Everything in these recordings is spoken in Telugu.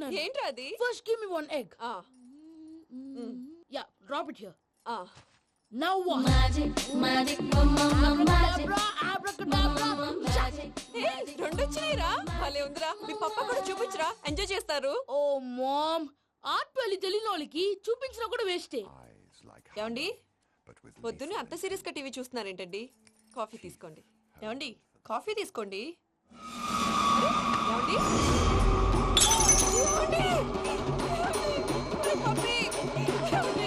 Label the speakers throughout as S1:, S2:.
S1: నేను.
S2: ఏంట్రా అది?
S1: First give me one egg. Yeah, drop it here. Now what?
S3: Magic,
S1: Abracadabra, abracadabra.
S2: రెండు వచ్చినాయిరా. భలే ఉందిరా. మీ పప్ప కూడా చూపించరా, ఎంజాయ్ చేస్తారు.
S1: Oh mom, ఆర్ట్ పెళ్లి తెలియని వాళ్ళకి చూపించినా కూడా వేస్టే.
S2: ఏమండి, పొద్దున్నే అంత సీరియస్ గా టీవీ చూస్తున్నారేంటండి? కాఫీ తీసుకోండి. ఏమండి, కాఫీ తీసుకోండి. ఏమండి? ఏమండి? ఏమండి? పప్పి! ఏమండి?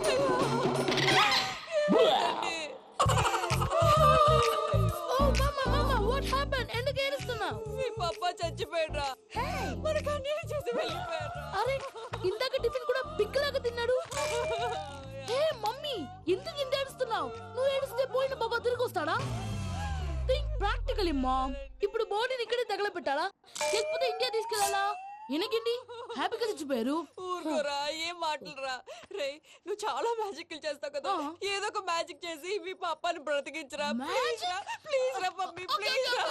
S1: Oh mama, what happened? ఎందుకు ఏడుస్తున్నావు?
S2: మీ పప్ప చచ్చిపోయాడ్రా. మనకు అన్యాయం చేసి వెళ్ళిపోయాడ్రా.
S1: అరే, ఇందాక టిఫిన్ కూడా పిక్కలాగా తిన్నాడు. హే మమ్మీ, ఎందుకు ఇంత ఏడుస్తున్నావు? నువ్వు ఏడిస్తే పోయిన బాబా తిరిగి వస్తాడా? Think practically mom. ఇప్పుడు బాడీని ఇక్కడే తగలబెట్టాలా లేకపోతే ఇండియా తీసుకెళ్ళాలా? ఎనకండి హ్యాపీగా చచ్చిపోయారు.
S2: ఊరుకోరా, ఏం మాటలురా. రే, నువ్వు చాలా మ్యాజిక్ చేస్తావు కదా, ఏదో ఒక మ్యాజిక్ చేసి మీ పాపాని బ్రతికించరా. ప్లీజ్ రా మమ్మీ, ప్లీజ్ రా.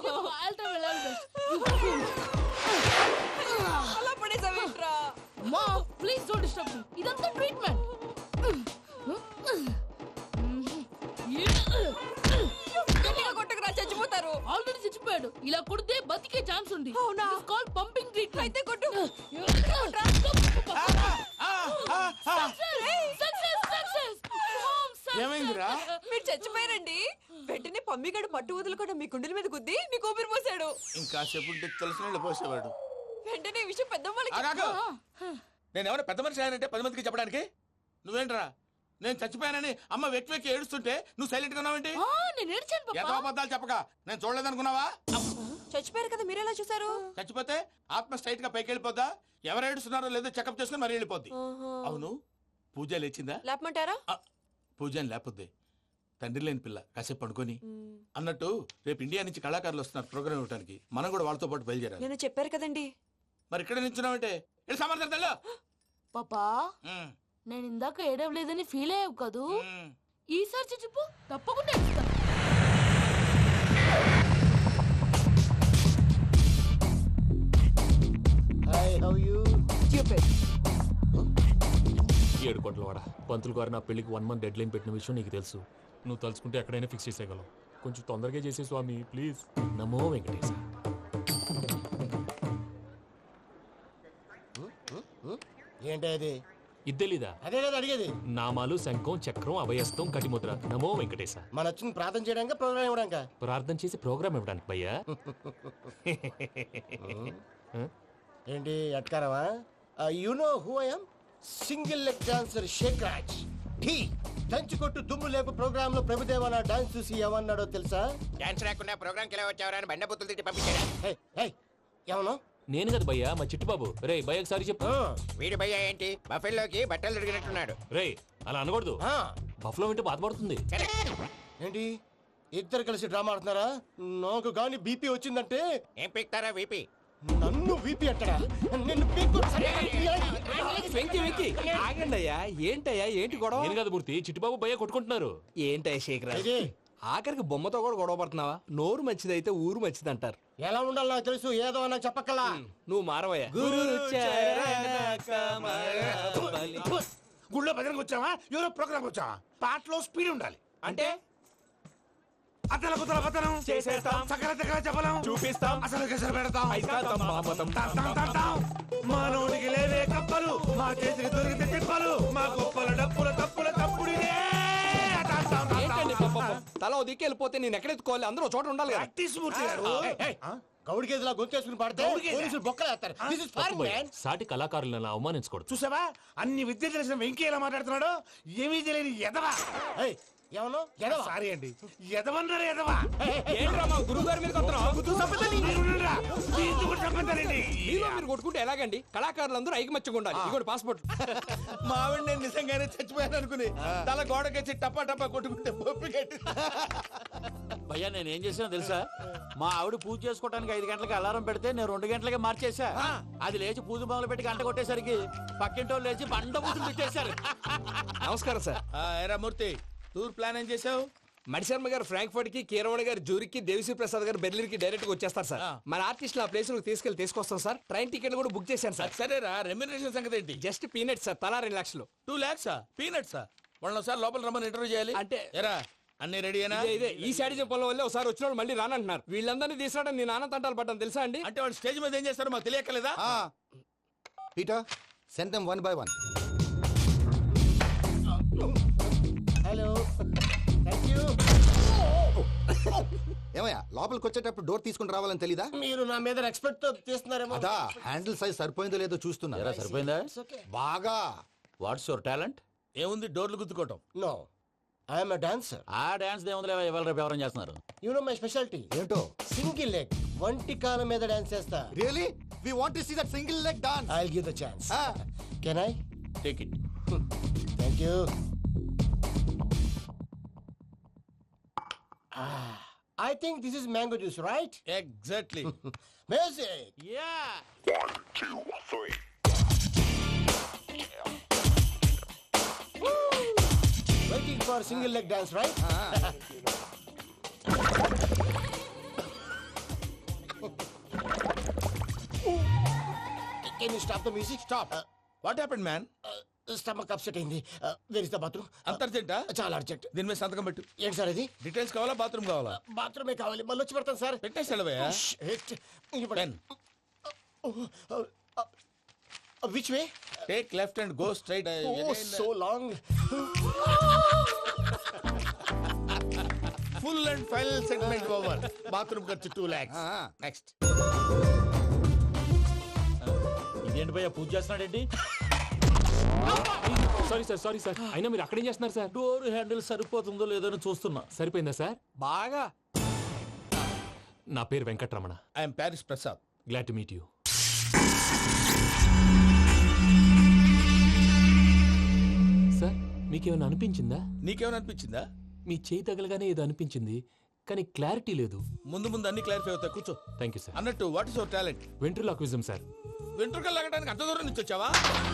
S2: అలా పడేసావేంట్రా?
S1: Mom please don't disturb me. ఇదంతా ట్రీట్మెంట్.
S2: గట్టిగా కొట్టకురా, చచ్చిపోతారు.
S1: ఆల్రెడీ చచ్చిపోయాడు. ఇలా కొడితే బతికే ఛాన్స్ ఉంది.
S2: అవునా?
S1: It's called pumping treatment.
S2: అయితే కొట్టు.
S4: ఏమైందిరా?
S2: మీరు చచ్చిపోయారండి. వెంటనే పమ్మిగాడు పట్టు వదులుకుండా మీ గుండెల మీద గుద్ది మీకు ఊపిరి పోసాడు.
S4: ఇంకా సేపు తెలిసిన పోసేవాడు.
S2: వెంటనే ఈ విషయం పెద్ద
S4: నేను ఎవరైనా పెద్ద మనిషి అయ్యానంటే 10 మందికి చెప్పడానికి. నువ్వేంట్రా నేను చచ్చిపోయానని అమ్మ వెక్కి వెక్కి ఏడుస్తుంటే నువ్వు సైలెంట్ గా ఉన్నావేంటి?
S1: నేను ఏడ్చాను పాపా.
S4: ఎంతో అబద్ధాలు చెప్పక నేను చూడలేదనుకున్నావా?
S2: చచ్చిపోయారు కదా, మీరెలా చూసారు?
S4: చచ్చిపోతే ఆత్మ స్ట్రైట్ గా పైకి వెళ్ళిపోద్దా? ఎవరు ఏడుస్తున్నారో లేదో చెకప్ చేసుకుని మరి వెళ్ళిపోద్ది. అవును, పూజ లేచిందా?
S2: లేపమంటారా?
S4: పూజ అని లేకపోద్ది. తండ్రి లేని పిల్ల కాసేపు పడుకొని. అన్నట్టు రేపు ఇండియా నుంచి కళాకారులు వస్తున్నారు ప్రోగ్రామ్ ఇవ్వడానికి. మనం కూడా వాళ్ళతో పాటు బయలుదేరాలి.
S2: నేను చెప్పారు కదండి.
S4: మరి ఇక్కడ నిల్చున్నావంటే సమర్థం.
S1: పాపా, నేను ఇందాక ఏడవలేదని ఫీల్ అయ్యావు కదూ? ఈసారి చచ్చిపో, తప్పకుండా ఏడుస్తా.
S5: ఏడు కోట్ల వాడ పంతులు గారు నా పెళ్లికి 1 month డెడ్ లైన్ పెట్టిన విషయం నీకు తెలుసు. నువ్వు తలుచుకుంటే ఎక్కడైనా ఫిక్స్ చేసేయగలవు. కొంచెం తొందరగా చేసే స్వామి ప్లీజ్. నమో వెంకటేశ.
S6: ఏంటి అది?
S5: ఇద్దెలీదా?
S6: అదే కదా అడిగేది.
S5: నామాలు శంఖం చక్రం అభయస్తం కటిముద్ర. నమో వెంకటేశ.
S6: మన వచ్చింది ప్రార్థన చేయడానికి, ప్రోగ్రామ్ ఇవ్వడానికి.
S5: ప్రార్థన చేసి ప్రోగ్రామ్ ఇవ్వడానికి భయ్యా.
S6: ఏంటి అట్కారమా? You know who I am? Single leg dancer Shaik Raj. ఠీ దంచి కొట్టు దుమ్ము లేపు ప్రోగ్రామ్ లో ప్రభుదేవ నా డాన్స్ చూసి ఏమన్నాడో తెలుసా?
S7: డాన్స్ రాకుండా ప్రోగ్రామ్ కి ఎలా వచ్చావరా అని బండ బుద్ధులు తిట్టి పంపించాడు.
S6: ఏమన్నా?
S5: నేను కదా భయ్యా, మా చిట్టుబాబు. రే భయ్య ఒకసారి చెప్పు.
S7: వీడి భయ్య ఏంటి బఫెల్లోకి బట్టలు తిరిగినట్టున్నాడు.
S5: రే అలా అనకూడదు. బఫ్లో వింటే బాధపడుతుంది.
S6: ఏంటి ఇద్దరు కలిసి డ్రామా ఆడుతున్నారా? నాకు గాని బీపీ వచ్చిందంటే
S7: ఏం పీక్తారా వీపీ?
S6: నన్ను వీపీ అట్టడా? నిన్ను పీక్కు.
S8: వెంకీ వెంకీ ఆగండి అయ్యా. ఏంటయ్యా ఏంటి గొడవ?
S5: నేను కదా మూర్తి, చిట్టుబాబు భయ్య కొట్టుకుంటున్నారు.
S8: ఏంటయ్యా శేఖరా, ఆఖరికి బొమ్మతో కూడా గొడవ పడుతున్నావా? నోరు మంచిదైతే ఊరు మంచిది అంటారు.
S6: ఎలా ఉండాలి నాకు తెలుసు, ఏదో నాకు చెప్పక్కలా.
S8: నువ్వు మారవయ్యా.
S4: గుళ్ళో భజనకు వచ్చావా? ఎవరో ప్రోగ్రామ్ వచ్చావా? పాటలో స్పీడ్ ఉండాలి.
S8: అంటే
S4: అతల కుతల పతనం
S8: చేసేస్తాం,
S4: సకల దగ్గర చెప్పలేం,
S8: చూపిస్తాం,
S4: అసలు గసలు పెడతాం.
S8: ఐకాంతం మామతం.
S4: మానవుడికి లేవే కప్పలు, మా చేతికి దొరికితే తిప్పలు, మా గొప్పల డప్పుల తప్పుల తప్పుడిదే.
S8: ఏంటండి పాపం? తల ఓ దిక్కు వెళ్ళిపోతే నేను ఎక్కడెత్తుకోవాలి? అందరూ చోట ఉండాలి కదా.
S6: గౌడి గేదెలా గొంతేసుకుని పాడితే పోలీసులు బొక్కలేస్తారు. This is foreign, man.
S5: సాటి కళాకారులను అవమానించకూడదు.
S4: చూసావా అన్ని విద్య తెలిసిన వెంకీ ఎలా మాట్లాడుతున్నాడు? ఏమీ తెలియని ఎదవా.
S6: ఏమన్నా ఎదవా?
S4: సారీ అండి, ఎదవన్నారు ఎదవా.
S8: ఏంట్రా మా గురువు గారి మీద
S4: మీలో
S8: మీరు కొట్టుకుంటే ఎలాగండి? కళాకారులందరూ ఐకమత్యంగా ఉండాలి. ఇదిగోటి పాస్పోర్ట్.
S4: మా ఆవిడ నేను నిజంగానే చచ్చిపోయాను అనుకుని తల గోడకొచ్చి టపా టపా కొట్టుకుంటే పొప్పి కట్టి.
S9: భయ్యా నేనేం చేసినా తెలుసా? మా ఆవిడ పూజ చేసుకోవడానికి 5 గంటలకి అలారం పెడితే నేను 2 గంటలకి మార్చేసా. అది లేచి పూజ మొదలు పెట్టి గంట కొట్టేసరికి పక్కింటోళ్ళు లేచి బండ పూజలు పెట్టేశారు.
S8: నమస్కారం సార్.
S4: ఏరా మూర్తి, టూర్ ప్లాన్ ఏం చేసావు?
S8: మణిశర్మ గారు ఫ్రాంక్ఫర్ట్ కి, కీరవాణి గారు జూరికి, దేవిశ్రీ ప్రసాద్ గారు బెర్లిన్ కి డైరెక్ట్ గా వచ్చేస్తారు సార్. మన ఆర్టిస్ట్ ఆ ప్లేస్ తీసుకొస్తాం సార్. ట్రైన్ టికెట్ కూడా బుక్ చేశాను సార్.
S4: సరేరా, రెమ్యూనరేషన్ సంగతి ఏంటి?
S8: జస్ట్ పీనట్స్ సార్, తలా 2 లక్షలు.
S4: 2 lakhs పీనట్సా? వాళ్ళని ఒకసారి లోపల రమ్మని ఇంటర్వ్యూ చేయాలి.
S8: అంటే
S4: ఎరా అన్ని రెడీ అయినా?
S8: ఇదే ఈ శాడిజం పొలం వల్లే ఒకసారి వచ్చిన వాళ్ళు మళ్ళీ రానంటున్నారు. వీళ్ళందరినీ తీసుకురావడం నేను ఆనంద తంటాలు పడ్డాను తెలుసా అండి.
S4: అంటే వాళ్ళు స్టేజ్ మీద ఏం చేస్తారో మాకు తెలియక్కలేదా?
S3: Peter, send them one by one.
S6: Hello, thank you.
S3: ఏమయ్యా లోపలికి వచ్చేటప్పుడు డోర్ తీసుకుని రావాలని తెలీదా?
S6: మీరు నా మీద ఎక్స్పెక్ట్ తో తీస్తున్నారేమో.
S3: అదా హ్యాండిల్ సైజ్ సరిపోయిందో లేదో చూస్తున్నా.
S9: ఎరా సరిపోయిందా?
S3: బాగా.
S9: What's your talent?
S4: ఏముంది డోర్లు గుద్దుకోవటం.
S6: No, I'm a dancer.
S9: ఆ డాన్స్ దేవుందిలే, ఇవాళ రేపు ఎవరైనా చేస్తున్నారు.
S6: You know my speciality.
S3: ఏంటో?
S6: సింగిల్ లెగ్, వంటి కాలం మీద డాన్స్ చేస్తా.
S3: Really we want to see that single leg dance.
S6: I will give the chance. Can I?
S9: Take it.
S6: Thank you. I think this is mango juice, right?
S4: Exactly.
S6: Music.
S9: Yeah.
S6: Waiting for single leg dance, right? Can you stop the music? Stop.
S4: What happened man?
S6: Stomach upset అయింది. Where is the bathroom?
S4: అంత అర్జెంటా?
S6: చాలా అర్జెంట్.
S4: దీని మీద సంతకం పెట్టు.
S6: ఏంటి సార్ ఇది?
S4: డీటెయిల్స్ కావాలా, బాత్రూమ్ కావాలా?
S6: బాత్రూమే కావాలి, మళ్ళీ వచ్చి పెడతాను సార్.
S4: పెట్టేసి వెళ్ళవయ్యా. Pen.
S6: Which way?
S4: Take left and go straight.
S6: Oh, so long.
S4: Full and final segment over. Bathroom ఖర్చు 2 lakhs. నెక్స్ట్.
S9: ఇదేంటి భయ్యా పూజ చేస్తున్నాడేంటి?
S5: Sorry sir. అయినా మీరు అక్కడేం చేస్తున్నారు సార్?
S9: డోర్ హ్యాండిల్ సరిపోతుందో లేదో అని చూస్తున్నా.
S5: సరిపోయిందా సార్?
S8: బాగా.
S5: నా పేరు Venkatramana.
S4: I'm Paris Prasad.
S5: Glad to meet you. Sir మీకేమైనా అనిపించిందా?
S4: నీకేమైనా అనిపించిందా?
S5: మీ చేయి తగలగానే ఏదో అనిపించింది, కానీ క్లారిటీ లేదు.
S4: ముందు అన్ని క్లారిఫై అవుతాయి, కూర్చో.
S5: Thank you sir.
S4: అన్నట్టు what is your talent?
S5: Ventriloquism sir.
S4: వెంట్రుకలు లాగడానికి అంత దూరం నుంచి వచ్చావా?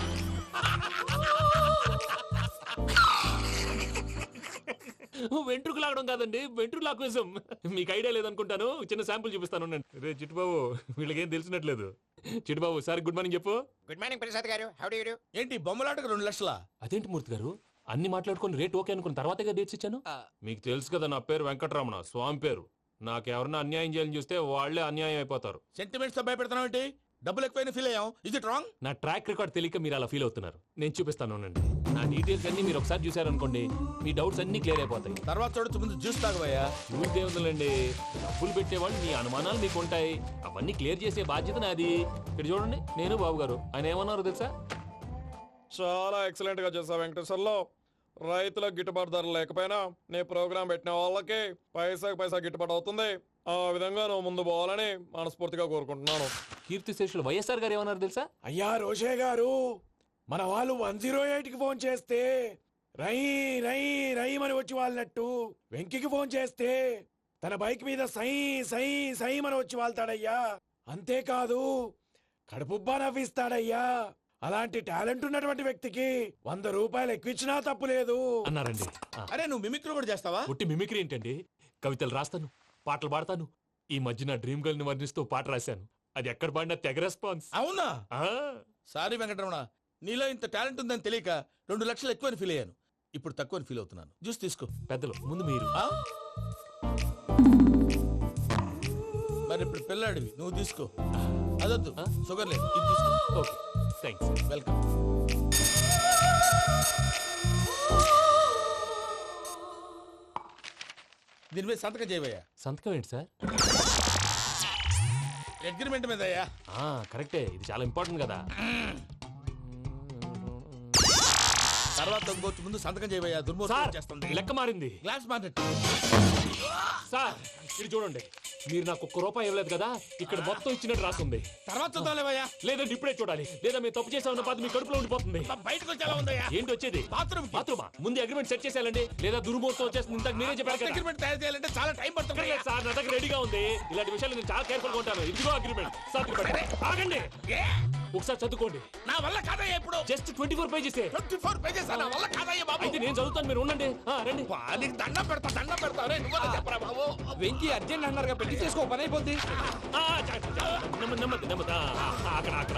S5: వెంట్రుకు లాగడం కాదండి, వెంట్రులాక్విజం. మీకు ఐడియా లేదనుకుంటాను, చిన్న శాంపుల్ చూపిస్తాను. రే చిట్టుబాబు, వీళ్ళకేం తెలిసినట్లేదు. చిట్టుబాబు సార్ గుడ్ మార్నింగ్ చెప్పు.
S7: గుడ్ మార్నింగ్ ప్రసాద్ గారు. How do you do?
S4: ఏంటి బొమ్మలాటకు 2 లక్షలా?
S5: అదేంటి మూర్తి గారు, అన్ని మాట్లాడుకొని రేట్ ఓకే అనుకున్న తర్వాతగా డేట్స్ ఇచ్చాను. మీకు తెలుసు కదా నా పేరు వెంకటరమణ, స్వామి పేరు. నాకెవరన్నా అన్యాయం చేయాలని చూస్తే వాళ్లే అన్యాయం అయిపోతారు.
S4: సెంటిమెంట్స్ తో భయపెడతావు ఏంటి? డబ్బులు ఎక్కువైనా ఫీల్ అయ్యాం. Is it wrong?
S5: నా ట్రాక్ రికార్డ్ తెలియక మీరు అలా ఫీల్ అవుతున్నారు. నేను చూపిస్తాను ఉండండి. నా డీటెయిల్స్ అన్ని మీరు ఒకసారి చూసారనుకోండి, మీ డౌట్స్ అన్ని క్లియర్ అయిపోతాయి.
S4: తర్వాత చూడొచ్చు, ముందు జ్యూస్ తాగబోయా.
S5: చూసి దేవుందండి, డబ్బులు పెట్టేవాళ్ళు మీ అనుమానాలు మీకు ఉంటాయి, అవన్నీ క్లియర్ చేసే బాధ్యత నాది. ఇక్కడ చూడండి, నేను బాబు గారు. ఆయన ఏమన్నారు తెలుసా?
S8: చాలా ఎక్సలెంట్ గా చేసావు వెంకటేశ్వర్లో. రైతులకు గిట్టుబాటు ధర లేకపోయినా నీ ప్రోగ్రాం పెట్టిన వాళ్ళకి పైసాకి పైసా గిట్టుబాటు అవుతుంది. ఆ విధంగా నువ్వు ముందు పోవాలని మనస్ఫూర్తిగా కోరుకుంటున్నాను.
S5: కీర్తి శేషులు వైఎస్ఆర్ గారు ఏమన్నారు తెలుసా?
S10: అయ్యా రోషే గారు, మన వాళ్ళు 108కి ఫోన్ చేస్తే రై రై రై అని వచ్చి వాళ్ళనట్టు, వెంకికి ఫోన్ చేస్తే తన బైక్ మీద సై సై సై అని వచ్చి వాళ్తాడయ్యా. అంతేకాదు కడుపుబ్బా నవ్విస్తాడయ్యా. అలాంటి టాలెంట్ ఉన్నటువంటి వ్యక్తికి 100 రూపాయలు ఎక్కువిచ్చినా తప్పు లేదు
S5: అన్నారండి.
S4: అరే నువ్వు మిమిక్రీ కూడా చేస్తావా?
S5: పుట్టి మిమిక్రీ ఏంటండి? కవితలు రాస్తాను, పాటలు పాడతాను. ఈ మధ్య నా డ్రీమ్ గర్ల్ ని వర్ణిస్తూ పాట రాశాను. అది ఎక్కడ పాడినా తెగ రెస్పాన్స్.
S4: అవునా? సారీ వెంకటరమణ, నీలో ఇంత టాలెంట్ ఉందని తెలియక 2 లక్షలు ఎక్కువని ఫీల్ అయ్యాను. ఇప్పుడు తక్కువని ఫీల్ అవుతున్నాను. జ్యూస్ తీసుకో.
S5: పెద్దలు ముందు మీరు.
S4: మరి ఇప్పుడు పిల్లాడివి, నువ్వు తీసుకో. అదొద్దు, షుగర్ లేదు, ఇది తీసుకో.
S5: Okay thanks.
S4: వెల్కమ్. దీని మీద సంతకం చేయవయ్యా.
S5: సంతకం ఏంటి సార్?
S4: అగ్రిమెంట్ మీద అయ్యా.
S5: కరెక్టే, ఇది చాలా ఇంపార్టెంట్ కదా.
S4: తర్వాత ఇంకొచ్చి ముందు సంతకం చేయవయ్యా. దుర్మోహం చేస్తుంది.
S5: లెక్క మారింది.
S4: Glass market.
S5: సార్ ఇది చూడండి, మీరు నాకు 1 రూపాయి ఇవ్వలేదు కదా, ఇక్కడ మొత్తం ఇచ్చినట్టు రాస్తుంది.
S4: తర్వాత చూద్దాంలేవయ్యా.
S5: లేదంటే ఇప్పుడే చూడాలి, లేదా మీరు తప్పు చేసామన్న బాధ మీ కడుపులో ఉండిపోతుంది.
S4: బయటకు వచ్చేలా ఉందయ్యా.
S5: ఏంటి వచ్చేది?
S4: బాత్రూమా?
S5: ముందు అగ్రిమెంట్ సెట్ చేసేయాలండి, లేదా దుర్మూర్తం వచ్చేస్తుంది. ఇంతకు మీరే చెప్పారు కదా.
S4: అగ్రిమెంట్ తయారు చేయాలంటే చాలా టైం పడుతుంది
S5: సార్. నా దగ్గర రెడీగా ఉంది. ఇలాంటి విషయాలు నేను చాలా కేర్ఫుల్ గా ఉంటాను. ఇదిగో అగ్రిమెంట్. ఆగండి. ఒకసారి చదువుకోండి.
S4: నా వల్ల కాదయ్యా ఇప్పుడు.
S5: Just 24 pages.
S4: 24 pages నా వల్ల కాదయ్యా బాబు.
S5: అయితే నేను చదువుతాను, మీరు ఉండండి. రండి.
S4: నీకు దండం పెడతా రే నువ్వు చెప్పరా బాబు.
S8: వెంకీ అర్జెంట్ అన్నారుగా పెళ్లి చేసుకో పని అయిపోద్ది.
S5: నెమ్మది నెమ్మది. అక్కడ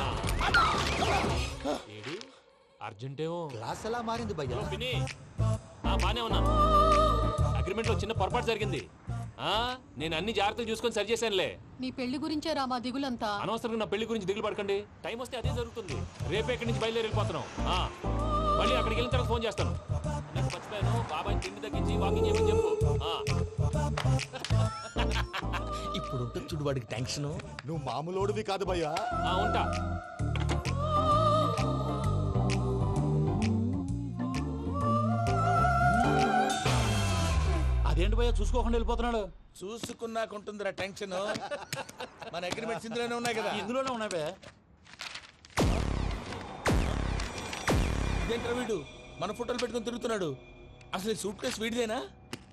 S5: ఏడి అర్జెంటేమో.
S3: క్లాస్ ఎలా మారింది భయ్యా?
S5: పిన్ని బానే ఉన్నాను. అగ్రిమెంట్ లో చిన్న పొరపాటు జరిగింది. నేను అన్ని జాగ్రత్తలు చూసుకొని సరి చేశానులే.
S1: నీ పెళ్లి గురించే రా మా దిగులంతా.
S5: అనవసరంగా నా పెళ్లి గురించి దిగులు పడకండి. టైం వస్తే అదే జరుగుతుంది. రేపే ఇక్కడి నుంచి బయలుదేరి వెళ్ళిపోతున్నాం. మళ్ళీ అక్కడికి వెళ్ళిన తర్వాత ఫోన్ చేస్తాను. నాకు మర్చిపోయాను, బాబాయ్ తిండి తగ్గించి వాకింగ్ చేయమని చెప్పు.
S4: ఇప్పుడు ఉంటుంది చూడు వాడికి టెన్షన్.
S3: నువ్వు మామూలోడివి కాదు భయ్యా.
S5: ఉంటా.
S9: అదేంటి భయ్యా చూసుకోకుండా వెళ్ళిపోతున్నాడు?
S4: చూసుకున్నాకుంటుందిరా టెన్షన్. మన అగ్రిమెంట్స్ ఇందులోనే ఉన్నాయి కదా.
S9: ఇందులోనే ఉన్నాయి భయ్యా.
S4: ఇదేంట్రా వీడు మన ఫోటోలు పెట్టుకొని తిరుగుతున్నాడు. అసలు సూట్ కేసు వీడిదేనా?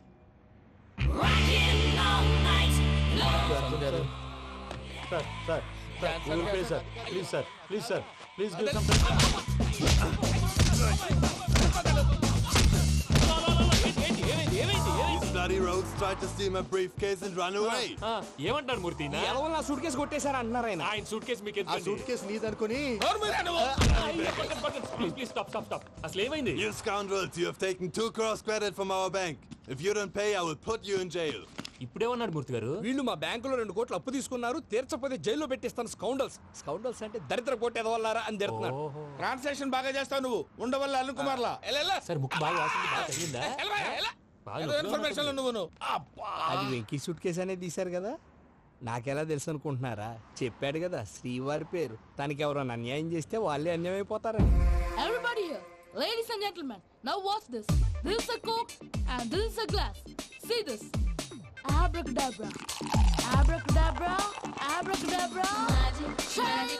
S9: Sir please sir please give some.
S11: Bloody rogues tried to steal my briefcase and run away.
S5: ఏమంటారు మూర్తి?
S8: నా సూట్ కేసు కొట్టేశారా అన్నారు ఆయన.
S5: ఆయన సూట్ కేసు మీకు
S3: ఆ సూట్ కేసు నీదనుకుని
S5: ప్లీజ్ స్టాప్. అసలు ఏమైంది?
S11: You scoundrels, you have taken 2 crores credit from our bank. If you don't pay, I will put you in jail.
S5: ఇప్పుడేమన్నాడు మూర్తి గారు?
S8: వీళ్ళు మా బ్యాంకులో 2 కోట్లు అప్పు తీసుకున్నారు, తీర్చపోతే జైల్లో పెట్టిస్తాను. స్కౌండల్స్ అంటే దరిద్ర కోట ఎదవల్లారా అని తిడుతున్నాడు.
S4: ట్రాన్సాక్షన్ బాగా చేస్తావు నువ్వు. ఉండవల్ల అల్లు కుమార్లా
S5: సార్ ముక్కు బాగా వాసింది, బాగా తగిలిందా? బాగా
S4: ఇన్ఫర్మేషన్ నువ్వు.
S8: అది వెంకీ సూట్ కేసు అనేది తీశారు కదా, నాకెలా తెలుసు అనుకుంటున్నారా? చెప్పాడు కదా శ్రీవారి పేరు. తనకి ఎవరైనా అన్యాయం చేస్తే వాళ్ళే అన్యాయం అయిపోతారని.
S1: Everybody here, ladies and gentlemen, now watch this. This is a Coke and this is a glass. See this. Abracadabra. Abracadabra. Abracadabra. Magic.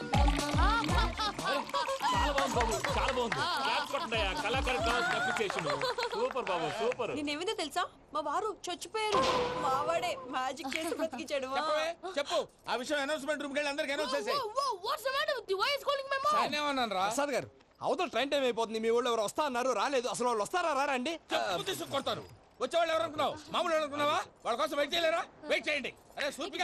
S5: చాలా బాగుంది. క్లాప్స్ కొట్టండి. కళాకారు అప్రిసియేషన్. సూపర్ బాబు, సూపర్.
S2: నేనేమిందో తెలుసా, మా వారు చచ్చిపోయారు. మావాడే మ్యాజిక్ చేసి బ్రతికించాడు.
S4: చెప్పు ఆ విషయం. అనౌన్స్మెంట్ రూమ్ కెళ్ళి అందరికి అనౌన్స్ చేసేయ్.
S1: What's the matter with you? Why is calling my mom?
S4: నేనేమన్నాను రా?
S8: ప్రసాద్ గారు, అవతల ట్రైన్ టైం అయిపోతుంది. మీ వాళ్ళు ఎవరు వస్తా అన్నారు, రాలేదు. అసలు వాళ్ళు వస్తారా రారా అండి?
S4: చెప్పు తీసుకు కొడతారు. వచ్చేవాళ్ళు ఎవరు అనుకున్నావు? మామూలు అనుకున్నావా? వాళ్ళ కోసం వెయిట్ చేయలేరా? వెయిట్ చేయండి. అరే సూపిగా